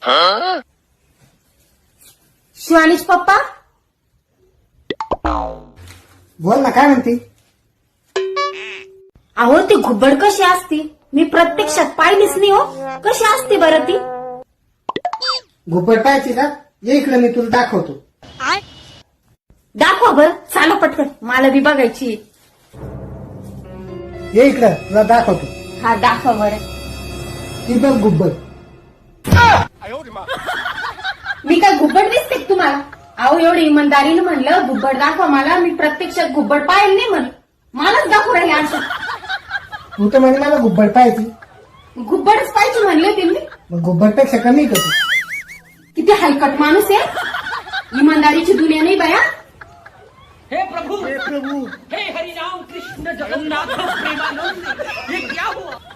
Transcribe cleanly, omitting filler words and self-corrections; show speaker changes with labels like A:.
A: शिवानीश पप्पा
B: बोल ना, काय म्हणते?
A: अहो ती घुबड कशी असती? मी प्रत्यक्षात पाहिलीच नाही हो. कशी असते बरं ती?
B: घुबड पाहायची का? ये इकडे, मी तुला दाखवतो.
A: दाखवा बरं, चाला पटकन, मला बी बघायची.
B: ये इकडं, तुला दाखवतो.
A: हा दाखवा बरं.
B: ती बघ घुबड.
A: मी काय घुबड दिसते का तुम्हाला? अहो एवढी इमानदारीने म्हणलं घुबड दाखवा मला, मी प्रत्यक्षात घुबड पाहिलं नाही म्हणलं, मलाच दाखवू राहिले असं.
B: तू तर म्हणजे मला घुबड पाहायची,
A: घुबडच पाहिजे म्हणले होते मी.
B: मग घुबडपेक्षा कमी का तू?
A: किती हलकट माणूस आहे. इमानदारीची दुनिया नाही बाया.
C: हे प्रभु हे हरिनाम कृष्ण जगन्नाथ प्रेमानंद, ये क्या हुआ?